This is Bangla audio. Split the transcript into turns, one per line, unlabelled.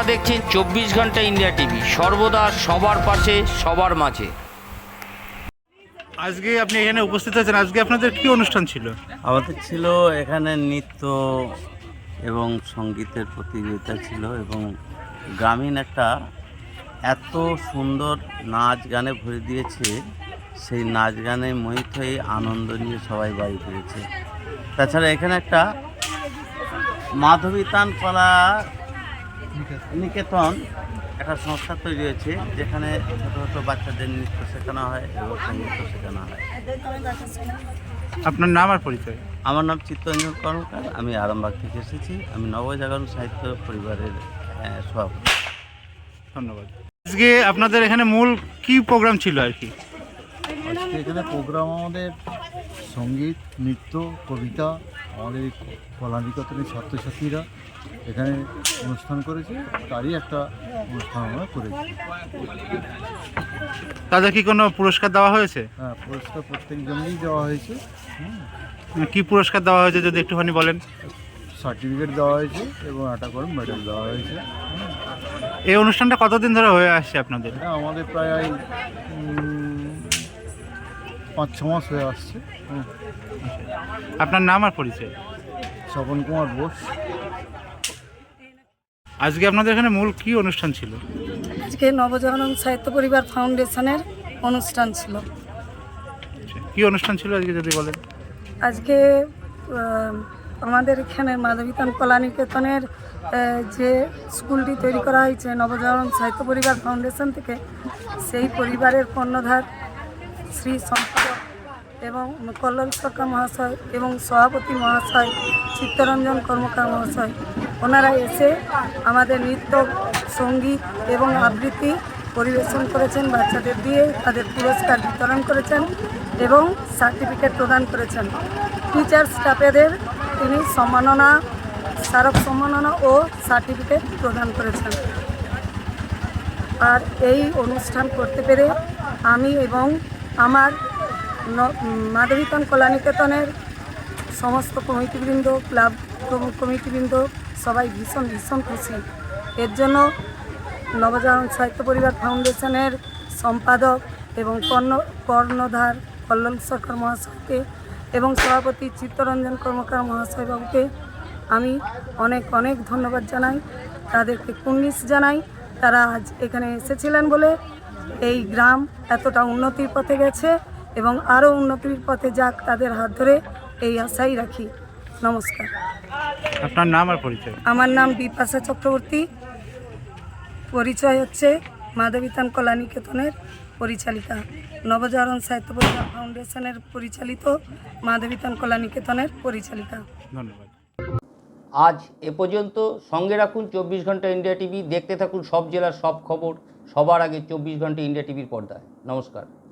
দেখছেন 24 ঘন্টা ইন্ডিয়া টিভি, সর্বদা সবার পাশে সবার মাঝে।
আজকে আপনি এখানে উপস্থিত আছেন, আজকে আপনাদের কি অনুষ্ঠান ছিল?
আমাদের ছিল এখানে নৃত্য এবং সঙ্গীতের প্রতিযোগিতা ছিল, এবং গ্রামীণ একটা এত সুন্দর নাচ গানে ভরে দিয়েছে, সেই নাচ গানে মোহিত হয়ে আনন্দ নিয়ে সবাই বাড়ি ফিরেছে। তাছাড়া এখানে একটা মাধবীতান কলা নিকেতন একটা সংস্থা তৈরি হয়েছে, যেখানে ছোটো ছোটো বাচ্চাদের নৃত্য শেখানো হয় এবং সঙ্গীত শেখানো হয়।
আপনার নাম আর পরিচয়?
আমার নাম চিত্তরঞ্জন কর্মকার, আমি আরামবাগ থেকে এসেছি। আমি নবজাগরণ সাহিত্য পরিবারের সভাপতি।
ধন্যবাদ। আজকে আপনাদের এখানে মূল কি প্রোগ্রাম ছিল আর কি?
আজকে এখানে প্রোগ্রাম আমাদের সঙ্গীত, নৃত্য, কবিতা, আমাদের এই কলানিকেতনের ছাত্রছাত্রীরা এখানে অনুষ্ঠান করেছে, তারই একটা অনুষ্ঠান আমরা করেছি।
তাদের কি কোনো পুরস্কার দেওয়া হয়েছে?
হ্যাঁ, পুরস্কার প্রত্যেকজনকেই দেওয়া হয়েছে।
কি পুরস্কার দেওয়া হয়েছে যদি একটুখানি বলেন?
সার্টিফিকেট দেওয়া হয়েছে এবং একটা করে মেডেল দেওয়া হয়েছে।
এই অনুষ্ঠানটা কতদিন ধরে হয়ে আসছে আপনাদের?
এটা আমাদের প্রায় 5-6 মাস হয়ে আসছে।
আপনার নাম আর পরিচয়?
স্বপন কুমার বোস।
আজকে আপনাদের এখানে মূল কি অনুষ্ঠান ছিল?
আজকে নবজাগরণ সাহিত্য পরিবার ফাউন্ডেশনের অনুষ্ঠান ছিল।
কি অনুষ্ঠান ছিল আজকে যদি বলেন?
আজকে আমাদের এখানে মাধবীতান কলানিকেতনের যে স্কুলটি তৈরি করা হয়েছে নবজাগরণ সাহিত্য পরিবার ফাউন্ডেশন থেকে, সেই পরিবারের কর্ণধার শ্রী সম্পাদক এবং কল্লোল সরকার মহাশয় এবং সভাপতি মহাশয় চিত্তরঞ্জন কর্মকার মহাশয়, ওনারা এসে আমাদের নৃত্য, সঙ্গীত এবং আবৃত্তি পরিবেশন করেছেন, বাচ্চাদের দিয়ে তাদের পুরস্কার বিতরণ করেছেন এবং সার্টিফিকেট প্রদান করেছেন। টিচার স্টাফেদের তিনি সম্মাননা, স্মারক সম্মাননা ও সার্টিফিকেট প্রদান করেছেন। আর এই অনুষ্ঠান করতে পেরে আমি এবং আমার মাধবীতান কলানিকেতনের সমস্ত কমিটিবৃন্দ, ক্লাব কমিটিবৃন্দ সবাই ভীষণ ভীষণ খুশি। এর জন্য নবজাগরণ সাহিত্য পরিবার ফাউন্ডেশনের সম্পাদক এবং কর্ণধার কল্লোল সরকার মহাশয়কে এবং সভাপতি চিত্তরঞ্জন কর্মকার মহাশয়বাবুকে আমি অনেক অনেক ধন্যবাদ জানাই, তাদেরকে কুর্নিশ জানাই। তারা আজ এখানে এসেছিলেন বলে এই গ্রাম এতটা উন্নতির পথে গেছে এবং আরও উন্নতির পথে যাক, তাদের হাত ধরে এই আশাই রাখি। নমস্কার।
আপনার নাম আর পরিচয়?
আমার নাম বিপাশা চক্রবর্তী, পরিচয় হচ্ছে মাধবীতান কলানিকেতনের পরিচালিকা, নবজাগরণ সাহিত্য পরিবার ফাউন্ডেশনের পরিচালিত মাধবীতান কলানিকেতনের পরিচালিকা।
ধন্যবাদ।
আজ এ পর্যন্ত। সঙ্গে রাখুন 24 ঘন্টা ইন্ডিয়া টিভি, দেখতে থাকুন সব জেলার সব খবর সবার আগে 24 ঘন্টা ইন্ডিয়া টিভির পর্দায়। নমস্কার।